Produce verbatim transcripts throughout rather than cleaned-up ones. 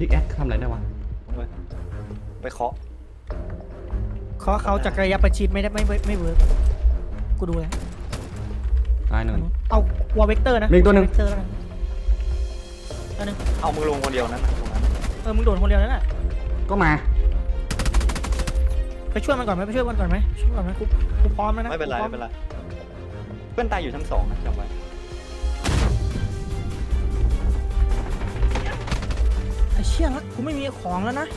พิกแอคทำอะไรได้วะไปเคาะเคาะเขาจากระยะประชิดไม่ได้ไม่ไม่เวิร์กกูดูแล้วตายหนึ่งเอาวอลเวกเตอร์นะมีตัวหนึ่งตัวนึงเอามึงลงคนเดียวนั้นตรงนั้นเออมึงโดดคนเดียวนั่นแหละก็มาไปช่วยมันก่อนไหมไปช่วยมันก่อนไหมช่วยก่อนไหมกูกูพร้อมแล้วนะไม่เป็นไรไม่เป็นไรเพื่อนตายอยู่ชั้นสองนะจำไว้ไอ้เชี่ยละกูไม่มีของแล้วนะ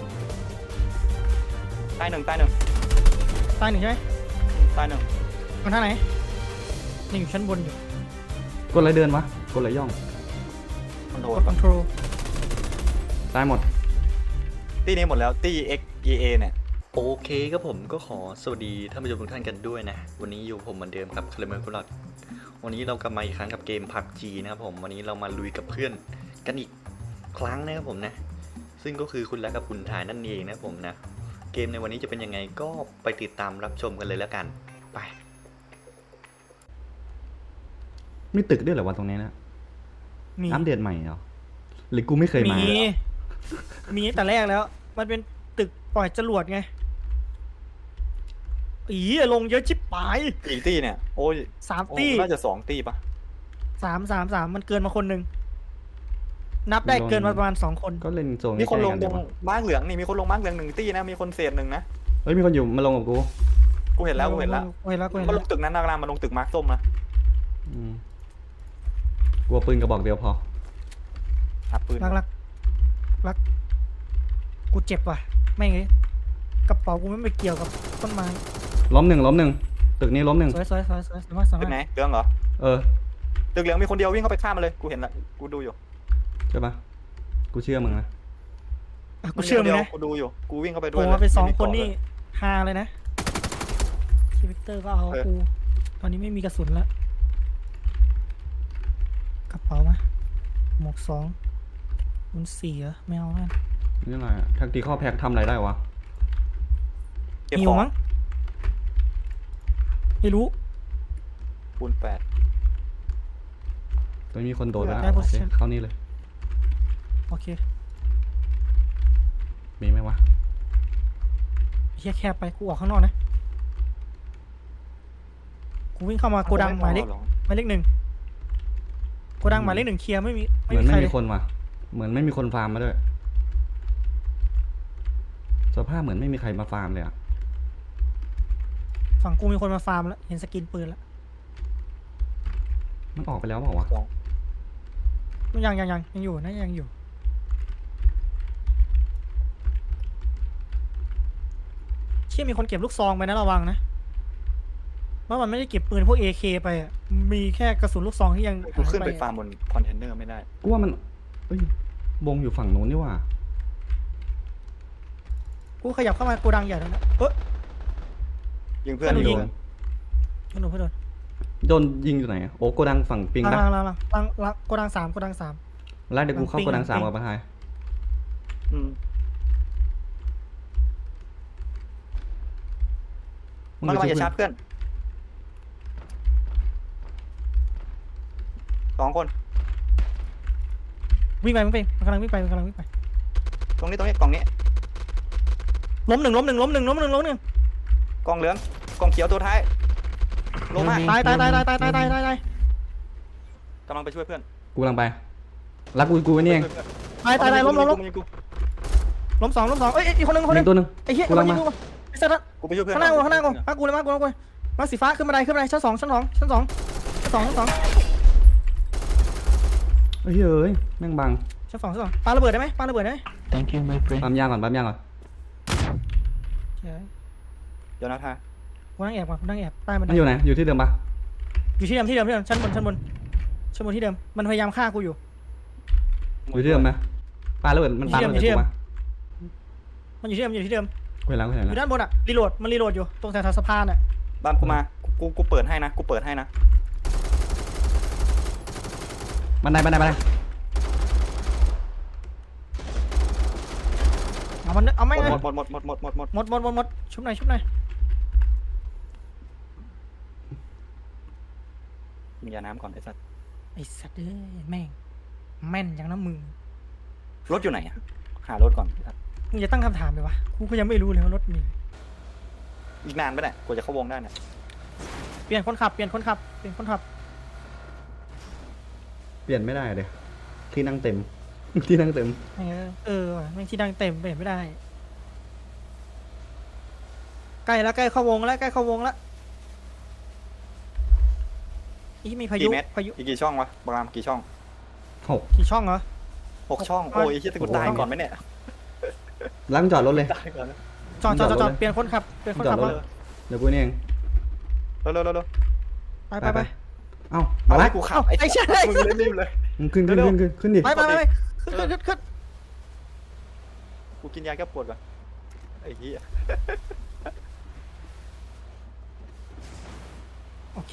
ตายหนึ่งตายหนึ่งตายหนึ่งใช่ไหมตายหนึ่งมันท่าไหนนี่อยู่ชั้นบนอยู่กดอะไรเดินวะกดอะไรย่องคอนโทรกดคอนโทรลตายหมดตีนี้หมดแล้วตี X E A เนี่ยโอเคครับผมก็ขอสวัสดีท่านผู้ชมทุกท่านกันด้วยนะวันนี้อยู่ผมเหมือนเดิมครับคาร์เมอร์กุลอดวันนี้เรากลับมาอีกครั้งกับเกม พับจี นะครับผมวันนี้เรามาลุยกับเพื่อนกันอีกครั้งนะครับผมนะซึ่งก็คือคุณและกับคุณทายนั่นเองนะผมนะเกมในวันนี้จะเป็นยังไงก็ไปติดตามรับชมกันเลยแล้วกันไปมีตึกด้วยเหรอวะตรงนี้นะอัปเดตใหม่เหรอหรือกูไม่เคยมามีมีแต่แรกแล้วมันเป็นตึกปล่อยจรวดไงอีลงเยอะชิบหายอีกตีเนี่ยโอ้ยสามตีน่าจะสองตีปะสามสามสามมันเกินมาคนหนึ่งนับได้เกินมาประมาณสองคนก็เล่นโซนมีคนลงลงม้าเหลืองนี่มีคนลงม้าเหลืองหนึ่งตีนะมีคนเศษหนึ่งนะเฮ้ยมีคนอยู่มาลงกับกูกูเห็นแล้วกูเห็นแล้วกูเห็นแล้วกูเห็นแล้วมาลงตึกนั้นนากลางมาลงตึกมาร์คส้มนะกลัวปืนกระบอกเดียวพอหาปืนรักรักรักกูเจ็บว่ะไม่ไงกระเป๋ากูไม่ไปเกี่ยวกับต้นไม้ล้มหนึ่งล้มหนึ่งตึกนี้ล้มหนึ่งสวยสวยสวยสวยสวยมากสวยมากตึกไหนเหลืองเหรอเออตึกเหลืองมีคนเดียววิ่งเข้าไปฆ่ามันเลยกูเห็นละกูดูอยู่ใช่ปะกูเชื่อมึงนะกูเชื่อมึงนะกูดูอยู่กูวิ่งเข้าไปด้วยผมมาเป็นสองคนนี่ฮาเลยนะชีวิตเตอร์ก็เอากูตอนนี้ไม่มีกระสุนแล้วกระเป๋ามาหมวกสองมันสี่เหรอไม่เอาแล้วนี่อะไรแท็กติคอลแพ็กทำอะไรได้วะมีอยู่มั้งไม่รู้คูณแปดตอนนี้มีคนโดดแล้วเข้านี่เลยโอเคมีไหมวะแค่แค่ไปกูออกข้างนอกนะกูวิ่งเข้ามาโกดังหมายเลขหมายเลขหนึ่งโกดังหมายเลขหนึ่งเคลียร์ไม่มีเหมือนไม่มีคนว่ะเหมือนไม่มีคนฟาร์มมาด้วยสภาพเหมือนไม่มีใครมาฟาร์มเลยอ่ะฝั่งกูมีคนมาฟาร์มแล้วเห็นสกินปืนแล้วมันออกไปแล้วเปล่าวะยังยังยังยังอยู่นะยังอยู่เชี่ยมีคนเก็บลูกซองไปนะระวังนะว่ามันไม่ได้เก็บปืนพวก เอ เค ไปอ่ะมีแค่กระสุนลูกซองที่ยังกูขึ้นไปฟาร์มบนคอนเทนเนอร์ไม่ได้กูว่ามันเอ้ยบงอยู่ฝั่งนู้นนี่ว่ากูขยับเข้ามาโกดังใหญ่แล้วนะเออยิงเพื่อนยิงเพื่อนโดนเพื่อนโดนโดนยิงอยู่ไหนโอ้โกดังฝั่งปิงนะลังลังลังลังลังโกดังสามโกดังสามแล้วเดี๋ยวกูเข้าโกดังสามกับประธานมันกำลังจะชาร์จเพื่อนสองคนวิ่งไปวิ่งไปมันกำลังวิ่งไปมันกำลังวิ่งไปตรงนี้ตรงนี้กล่องนี้ล้มหนึ่งล้มหนึ่งล้มหนึ่งล้มหนึ่งล้มหนึ่งกล่องเหลืองกล่องเขียวตัวท้ายลงมาตายตายตายตายตายตายตายตายตายกำลังไปช่วยเพื่อนกูกำลังไปรักกูกูไว้นี่เองตายตายตายล้มล้มล้มล้มสองล้มสองเอ้ยอีกคนหนึ่งคนหนึ่งตัวหนึ่งไอ้เหี้ยกูยิงกูไอ้สัตว์กูไปช่วยเพื่อนข้างหน้ากูข้างหน้ากูมากูเลยมากูเลยมาสีฟ้าขึ้นบันไดขึ้นบันไดชั้นสองชั้นสองชั้นสองชั้นสองชั้นสองเฮ้ยเฮ้ยแม่งบังชั้นสองชั้นสองปาระเบิดได้ไหมปาระเบิดได้ไหม thank you my friend ปั๊มยางก่อนปั๊มยางก่อนเดี๋ยวนะท่ากูนั่งแอบก่อนกูนั่งแอบใต้มันอยู่ไหนอยู่ที่เดิมปะอยู่ที่เดิมที่เดิมที่เดิมชั้นบนชั้นบนชั้นบนที่เดิมมันพยายามฆ่ากูอยู่อยู่ที่เดิมไหมปาระเบิดมันปาระเบิดกูมามันอยู่ที่เดิมอยู่ที่เดิมเวลากูเห็นแล้วอยู่ด้านบนอะรีโหลดมันรีโหลดอยู่ตรงแถวสะพานอะบ้านกูมากูกูเปิดให้นะกูเปิดให้นะบันไดบันไดบันไดเอามันเอาไม่ไงหมดหมดหมดหมดหมดหมดหมดหมดหมดหมดชุบหน่อยชุบหน่อยมียาน้ำก่อนไอ้สัตว์ไอ้สัตว์เอ้ยแม่งแม่นอย่างน้ำมือรถอยู่ไหนอะหารถก่อนมึงจะตั้งคำถามเลยวะกูก็ยังไม่รู้เลยว่ารถมีอีกนานปะเนี่ยกว่าจะเข้าวงได้เนี่ยเปลี่ยนคนขับเปลี่ยนคนขับเปลี่ยนคนขับเปลี่ยนไม่ได้เดี๋ยวที่นั่งเต็ม ที่นั่งเต็มเออเออว่ะแม่งที่ดังเต็มเปลี่ยนไม่ได้ใกล้แล้วใกล้เข้าวงแล้วใกล้เข้าวงแล้วอีมีพายุกี่เมตรพายุอีกกี่ช่องวะบรามกี่ช่องหกกี่ช่องเหรอหกช่องโอ้ยเฮียจะกูตายก่อนไหมเนี่ยล้างจอดรถเลยตายก่อนแล้วจอดจอดจอดจอดจอดรถเลยเปลี่ยนคนขับเปลี่ยนคนจอขัดบรถมาเลยเดี๋ยวกูนี่เองเร็วเร็วเร็วเร็วไปไปไปเอ้าเอามาไว้ละกูขับเอ้าไอ้เชี่ยมึงเล่นรีบเลยมึงขึ้นขึ้นเร็วขึ้นขึ้นขึ้นดิไปไปไปขึ้นขึ้นขึ้นขึ้นกูกินยาแก้ปวดก่อนไอ้เหี้ยโอเค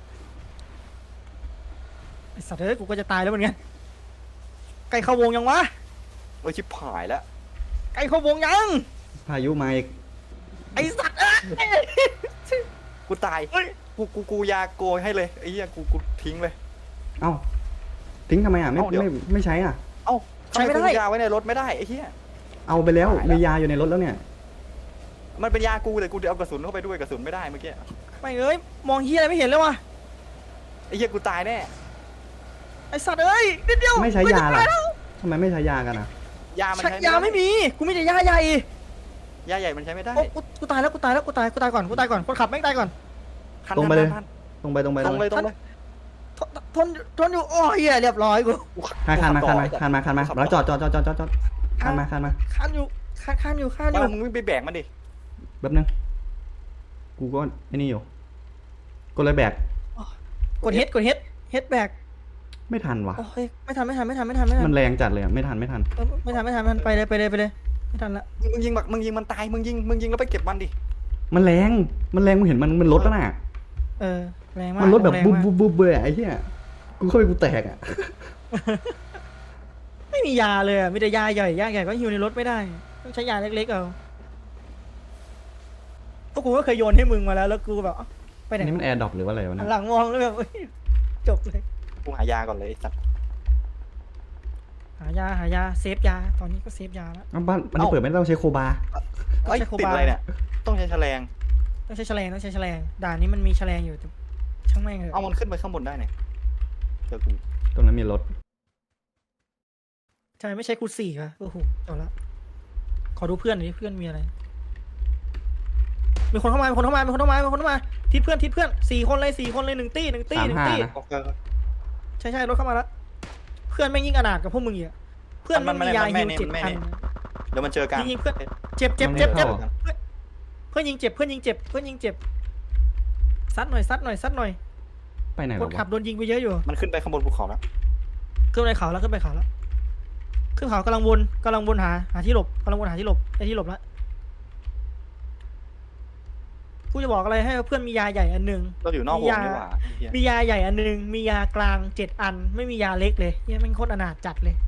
ไอ้สัตว์เอ้ยกูก็จะตายแล้วเหมือนกันใกล้เข้าวงยังวะโอ้ยชิบหายแล้วใกล้เข้าวงยังพายุมาอีกไอ้สัตว์เอ้ยกูตายเฮ้ยกูกูกูยาโกยให้เลยไอ้เหี้ยกูกูทิ้งเลยเอ้าทิ้งทำไมอ่ะไม่เอ้าเดี๋ยวไม่ไม่ใช้อ่ะเอ้าใช้ไม่ได้ทำกูยาไว้ในรถไม่ได้ไอ้เหี้ยเอาไปแล้วตายแล้วมียาอยู่ในรถแล้วเนี่ยมันเป็นยากูเลยกูเดี๋ยวเอากระสุนเข้าไปด้วยกระสุนไม่ได้เมื่อกี้ไม่เอ้ยมองเฮียอะไรไม่เห็นเลยวะไอ้เหี้ยกูตายแน่ไอ้สัตว์เอ้ยนิดเดียวไม่ใช้ยาจะล่ะตแล้วทำไมไม่ใช้ยากันอ่ะยามันใช้ใช้ยาไม่มีกูมีแต่ยาใหญ่ยาใหญ่มันใช้ไม่ได้โอ้กูกูตายแล้วกูตายแล้วกูตายกูตายก่อนกูตายก่อนคนขับแม่งตายก่อนทันตรงไปเลยทันตรงไปตรงไปทันตรงเลยตรงเลยทนทนทนอยู่โอ้ยเหี้ยเรียบร้อยกูกูขับคานคานมากูคานขัมาบต่อคานมาคานมาขับแล้วจต่อดจอดจอดจอดจอดจอดคานมาคานมาคันอยู่คันคันอยู่คันอว่ายู่มึงไปแบกมันดิแป๊บนึงกูก็ไอ้นี่อยู่ก็เลยแบกกดเฮดกดเฮดเฮดแบกไม่ทันว่ะโอ้ยไม่ทันไม่ทันไม่ทันไม่ทันไม่ทันมันแรงจัดเลยอะไม่ทันไม่ทันเออไม่ทันไม่ทันไม่ทันไปเลยไปเลยไปเลยไม่ทันละมึงยิงแบบมึงยิงมันตายมึงยิงมึงยิงแล้วไปเก็บมันดิมันแรงมันแรงมึงเห็นมันมันรถแล้วน่ะเออแรงมากมันรถแบบรงบุ๊บมากบุ๊บบุ๊บเลยอะไอ้เหี้ยกูเข้าไปกูแตกอ่ะไม่มียาเลยอ่ะมีแต่ยาใหญ่ยาใหญ่ก็หิวในรถไม่ได้ต้องใช้ยาเล็กๆเอาพวกกูก็เคยโยนให้มึงมาแล้วแล้วกูแบบเอ้าไปไหนนี่มันแอร์ดรอปหรือว่าอะไรวะหัเนี่ยนหลังมองแล้วแบบเอ้ยจบเลยกูหายาก่อนเลยไอ้สัตว์หายาหายาเซฟยาตอนนี้ก็เซฟยาแล้วอ้าวบ้านมันเปิดไม่ได้ต้องใช้โคบาเอ้ยใช้โคติดบาอะไรเนี่ยต้องใช้แฉลงต้องใช้แฉลงต้องใช้แฉลงด่านนี้มันมีแฉลงอยู่แต่ช่างแม่งเถเอาอะมันขึ้นไปข้างบนได้เนี่ยเจอกูตรงนั้นมีรถทำไมไม่ใช้คูณสี่วะโอ้โหจบละขอดูเพื่อนหน่อยดิเพื่อนมีอะไรมีคนเข้ามามีคนเข้ามามีคนเข้ามามีคนเข้ามาทิศเพื่อนทิศเพื่อนสี่คนเลยสี่คนเลยหนึ่งตี้หนึ่งตี้สามหนึ่งห้าตี้นะโอเคใช่ใช่รถเข้ามาแล้วเพื่อนแม่งยิ่งอนาถกับพวกมึงอีกอะเพื่อนมัมัน นมันมียามันไม่ฮิวนี่เจ็ดมันไม่พันนี่ เดี๋ยวมันเจอกันยิงๆเพื่อน เจ็บเจ็บเจ็บมันไม่เจ็บเข้าเพื่อนเพื่อนยิงเจ็บเพื่อนยิงเจ็บเพื่อนยิงเจ็บซัดหน่อยซัดหน่อยซัดหน่อยไปไหนคหรนอขับวะโดนยิงไปเยอะอยู่มันขึ้นไปข้างบนภูเขาแล้วขึ้นไปเขาแล้วขึ้นไปเขาแล้วขึ้นเขากำลังวนกำลังวนหาหาที่หลบกำลังวนหาที่หลบไอ้ที่หลบแล้วกูจะบอกอะไรให้เพื่อนมียาใหญ่อันหนึ่งเราอยู่นอกวงมียานี่หว่าไอ้เหี้ยมียาใหญ่อันหนึ่งมียากลางเจ็ดอัน ไม่มียาเล็กเลยเนี่ยแม่งโคตรอนาถจัดเลย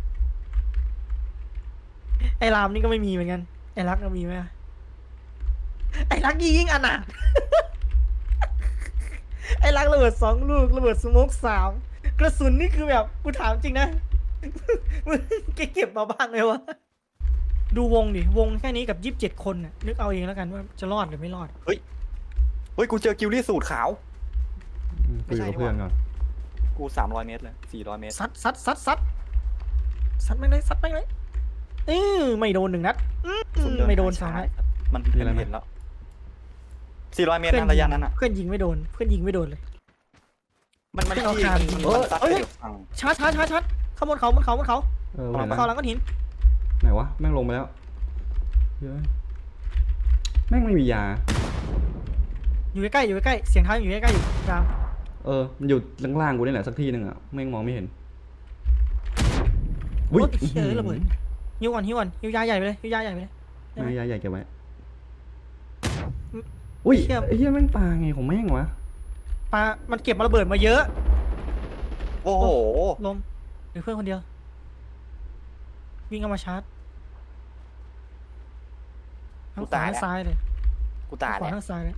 ไอ้รามนี่ก็ไม่มีเหมือนกันไอ้รักก็มีไหมไอ้รักยิ่งอนาถ ไอ้รักระเบิดสองลูกระเบิดสโมกสามกระสุนนี่คือแบบกูถามจริงนะ มึงเก็บมาบ้างเลยวะดูวงดิวงแค่นี้กับยี่สิบเจ็ดคนน่ะนึกเอาเองแล้วกันว่าจะรอดหรือไม่รอดเฮ้ยกูเจอกิลลี่สูตรขาวอืมกูอยู่กับเพื่อนก่อนกูสามร้อยเมตรเลยสี่ร้อยเมตรซัดซัดซัดซัดซัดไม่เลยซัดไม่เลยเออไม่โดนหนึ่งนัดอืมสุเไม่โดนสองนัดมันมันเห็นแล้วสี่ร้อยเมตรนะระยะนั้นอ่ะเพื่อนยิงไม่โดนเพื่อนยิงไม่โดนเลยมันมันเอาที่คานมันเออซัดเอ้ไปยเดี๋ยวฟังชาร์จชาร์จชาร์จชาร์จข้างบนเขาบนเขาบนเขาเออบเห็นนแล้วเขาหลังก้อนหินไหนวะแม่งลงไปแล้วเฮ้ยแม่งไม่มียาอยู่ใกล้ๆอยู่ใกล้ๆเสียงเท้าอยู่ใกล้ๆอยู่ยามเออมันอยู่ล่างๆกูนี่แหละสักที่หนึ่งอ่ะแม่งมองไม่เห็นโอ้ยเฮ้ยระเบิดฮิวก่อนฮิวก่อนฮิวยาใหญ่ไปเลยฮิวยาใหญ่ไปเลยไม่ยาใหญ่เก็บไว้อุ้ยเชี่ยไอ้เหี้ยแม่งปลาไงของแม่งวะปลามันเก็บมาระเบิดมาเยอะโอ้โหลมหรือเพื่อนคนเดียว วิ่งเข้ามาชาร์จทั้งขวาทั้งซ้ายเลยกูตายขวาแล้วทั้งซ้ายเลย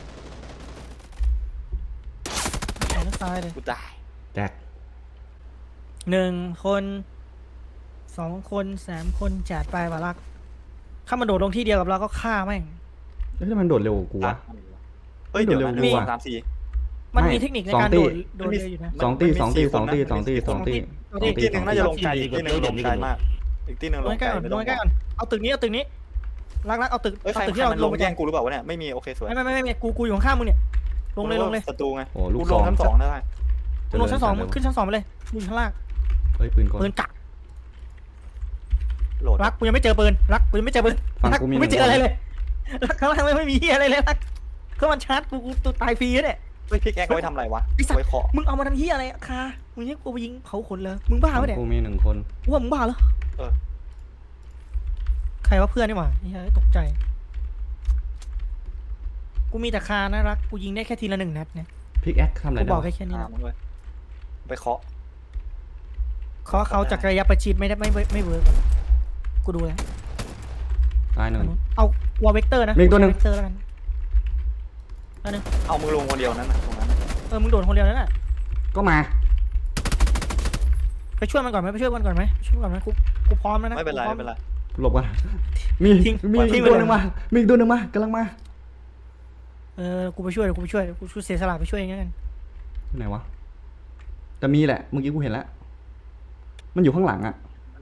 ขวาทั้งซ้ายเลยกูตายแจกหนึ่งคนสองคนสามคนจัดไปวะรักถ้ามันโดดลงที่เดียวกับเราก็ฆ่าแม่งแล้วทำไมมันโดดเร็วกว่ากูวะเฮ้ยเดี๋ยวนะหเร็นึ่วงๆสองสามสี่มันไม่มีเทคนิคในสองการตีโดดโดดเร็วอยู่นะสองตีมันมีสองตีสี่สองตีคนนะสองตีมันมีสองตีอีกที่หนึ่งน่าจะลงไกลสองตีอีกที่หนึ่งลงไกลมากอีกที่หนึ่งลลงงใกไกล้ลก่อนไม่ลต้อง งใกล้ก่อนเอาตึกนี้เอาตึกนี้รักรักเอาตึกเอ้ยใครเอาตึกใครที่เรามันลลงงไปแย่งกูหรือเปล่าวะเนี่ยไม่มีโอเคสวยไม่ไม่ไม่ไม่กูกูอยู่ข้างๆมึงเนี่ยลงเลยลงเลยศัตรูไงโอ้ลูกกูซลอง งชั้นสองได้มึงลงชั้นสองมึงขึ้นชั้นสองไปเลยมึงอยู่ข้างล่างเฮ้ยปืนกลปืนกักโหลดรักกูยังไม่เจอปืนรักกูยังไม่เจอปืนฝั่งรักกูกูมีไม่เจอหนึ่งอะไรเลยรักข้างล่างไม่ไม่มีอะไรเลยรักก็มันชาร์จกูกูตัวตายฟรีเนี่ยเฮ้ยพิกแอคเอาไว้ทำอะไรวะไอ้สัตว์ไว้เคาะมึงเอามาทำเหี้ยอะไรอะคามึงยังกูไปยิงเผาขนเลยมึงบ้าฝั่งปะเนี่ยกูมีหนึ่งคนกูว่ามึงบ้าเหรอเออใครว่าเพื่อนนี่หว่าเฮ้ยตกใจกูมีแต่คานะรักกูยิงได้แค่ทีละหนึ่งนัดเนี่ยพิกแอคทำอะไรกูได้บอกวะแค่แค่นี้อ่านะมึงเลยไปเคาะขอเขาจากระยะประชิดไม่ได้ไม่ไม่ไม่เวิร์กอะกูดูแล้วตายหนึ่งเอาวอลเวกเตอร์นะมีอีกตัวหนึ่งเวกเตอร์แล้วกันอันนึงเอามือลงคนเดียวนั้นนะตรงนั้นเออมึงโดดคนเดียวนั่นแหละก็มาไปช่วยมันก่อนไหมไปช่วยมันก่อนไหมไปช่วยมันก่อนไหมกูกูพร้อมแล้วนะไม่เป็นไรกูพอไม่เป็นไรหลบกันมีทิ้งมีทิ้อีงกไปตัวเลยหนึ่งมามีอีกตัวหนึ่งมากำลังมาเออกูไปช่วยเดี๋ยวกูไปช่วยเดี๋ยวกูช่วยเสียสละไปช่วยอย่างนั้นไหนวะแต่มีแหละเมื่อกี้กูเห็นแล้วมันอยู่ข้างหลังอะ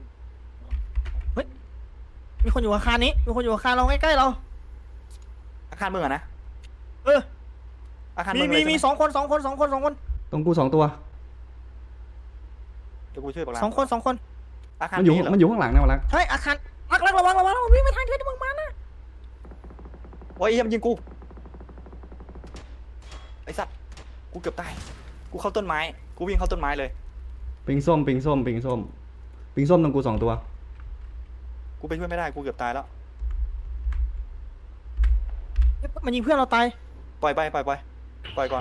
มีคนอยู่อาคารนี้มีคนอยู่อาคารเราใกล้ๆเราอาคารมึงอะนะเอออาคารมีมึงมีเลยมีใช่ไหสองคนสองคนสองคนสองคนตรงกูสองตัวเดี๋ยวกูช่วยปากลาสองคนสองคนอาคารมันอยู่เหรอมันอยู่ข้างหลังนะวะลักใช่อาคารรักรักระวังระวังระวังวิ่งไปทางเดินมึงมานะโอ้ยเหี้ยมนยิงกูไอ้สัตว์กูเกือบตายกูเข้าต้นไม้กูวิ่งเข้าต้นไม้เลยปิงส้มปิงส้มปิงส้มปิงส้มตรงกูสองตัวกูไปช่วยไม่ได้กูเกือบตายแล้วมันยิงเพื่อนเราตายปล่อยไปปล่อยไปปล่อยก่อน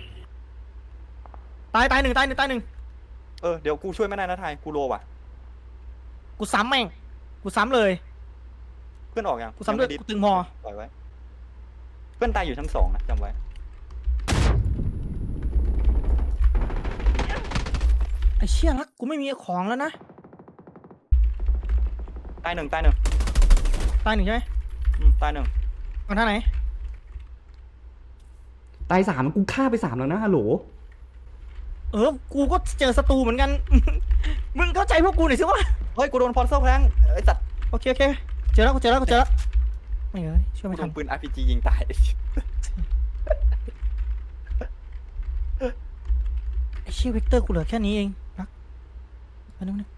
ตายตายหนึ่งตายหนึ่งตายหนึ่งเออเดี๋ยวกูช่วยไม่ได้นะไทยกูโลว่ะกูซ้ำแม่งกูซ้ำเลยเพื่อนออกยังกูซ้ำด้วยงไม่กูตึงพอปล่อยไว้เพื่อนตายอยู่ชั้นสองนะจำไว้ไอ้เชี่ยรักกูไม่มีของแล้วนะตายหนึ่งตายหนึ่งตายหนึ่งใช่ไหมอืมตายหนึ่งเอาท่าไหนตายสามกูฆ่าไปสามแล้วนะฮัลโหลเออกูก็เจอศัตรูเหมือนกัน มึงเข้าใจพวกกูหน่อยสิวะเฮ้ยกูโดนพอร์เซลแพลงไอ้สัตว์โอเคโอเคเจอแล้วกูเจอแล้วกูเจอแล้วไม่เอ้ยช่วยกูไม่โดทันนปืน อาร์ พี จี ยิงตายไอ้เชี่ยเวกเตอร์กูเหลือแค่นี้เองรักไปนึงนึง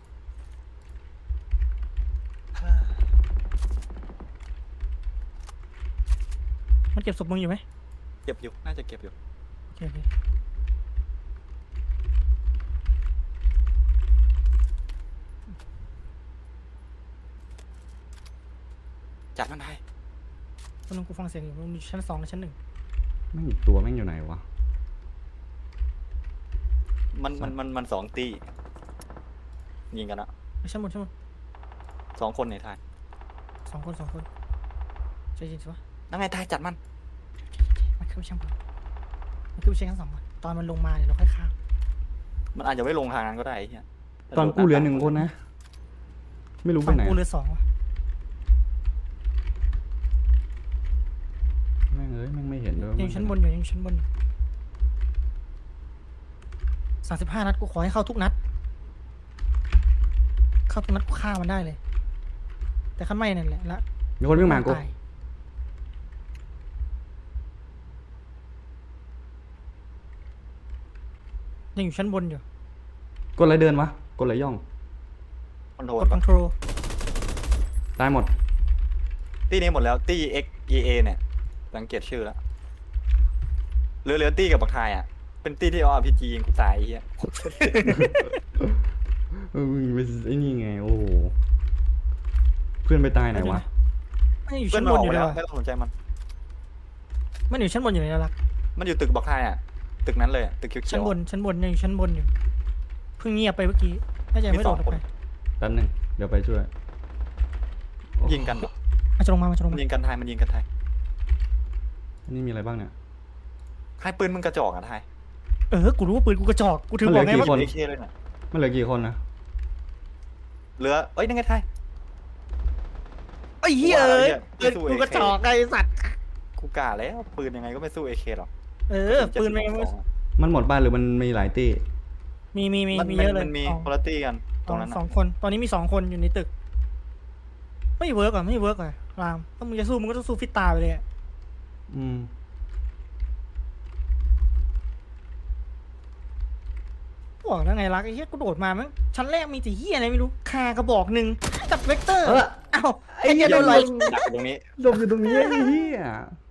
มันเก็บศพมึงอยู่ไหมเก็บอยู่น่าจะเก็บอยู่โอเคโอเคจัดมันได้ตอนนึงกูฟังเสียงอยู่มันอยู่ชั้นสองหรือชั้นหนึ่งแม่งอีกตัวแม่งอยู่ไหนวะมันมันมันมันสองตียิงกันอะไม่ชั้นบนชั้นบนสองคนในไทยสองคนสองคนใจเย็นสิวะนั่งไงไทยจัดมันมันขึ้นไปชั้นบนมันขึ้นไปชั้นสองก่อนตอนมันลงมาเดี๋ยวเราค่อยข้ามมันอาจจะไม่ลงทางนั้นก็ได้ไอ้เฮียตอนกูเหลือหนึ่งคนนะ ไม่รู้ไปฝั่งไหนกูเหลือสองว่ะแม่งเอ้ยแม่งไม่เห็นด้วยยังอยู่ชั้นบนอยู่ยังอยู่ชั้นบนอยู่สามสิบห้านัดกูขอให้เข้าทุกนัด เข้าทุกนัดกูฆ่ามันได้เลย แต่ขั้นไม่นั่นแหละละมีคนวิ่งมากูตยยังอยู่ชั้นบนอยู่กดอะไรเดินวะกดอะไรย่องคอนโทรกลดคอนโทรลตายหมดตีนี้หมดแล้วตี X E A เนี่ยสังเกตชื่อแล้วเหลือเหลือตีกับบักไทยอ่ะเป็นตีที่เอา อาร์ พี จี ยิงกูตายไอ้เฮียเออมึงไปไอ้นี่ไงโอ้โหเพื่อนไปตายไหนวะมันอยู่เพื่อชั้นนมันบอน อกอยู่ไปเลแล้ยว ว่ะไม่ต้องสนใจมันมันอยู่ชั้นบนอยู่เลยนะรักมันอยู่ตึกบักไทยอ่ะตึกนั้นเลยอะตึกเขียวๆชั้นบนอะชั้นบนยังอยู่ชั้นบนอยู่เพิ่งเงียบไปเมื่อกี้น่าจะยังไม่โดดออกไปแป๊บหนึงเดี๋ยวไปช่วยยิงกันเหรอมันจะลงมามันจะลงมันมายิงกันไทยมันยิงกันไทยอันนี้มีอะไรบ้างเนี่ยไทยปืนมึงกระจอกอ่ะไทยเออกูรู้ว่าปืนกูกระจอกกูถึงบอกไงมันเหลือกี่ว่าคนเอเคเลยน่ะมันเหลือกี่คนนะเหลือเอ้ยนั่นไงไทยไอ้เหี้ยเอ้ยไม่เออสู้กูกระเอเคจอกไอ้สัตว์กูกะแล้วปืนยังไงก็ไม่สู้เอเคหรอกเออปืนแม่งไม่มันหมดบ้านหรือมันมีหลายตี้มีมีมีมันมีมันเยอะเลยมันมีสองคุณภาพกันตรงนั้นสอน่ะงคนตอนนี้มีสองคนอยู่ในตึก ไม่เวิร์กอ่ะไม่เวิร์กอ่ะรามถ้ามึงจะสู้มึงก็ต้องสู้ฟิตตาไปเลยอะอืมบอกแล้วไงรักไอ้เหี้ยกูโดดมามั้งชั้นแรกมีแต่เหี้ยอะไรไม่รู้คากระบอกหนึ่งกับเวกเตอร์เออเอ้าไอ้เหี้ยโดนหลดัอกกอยู่ตรงนี้หลบอยู่ตรงนี้ไอ้เหี้ย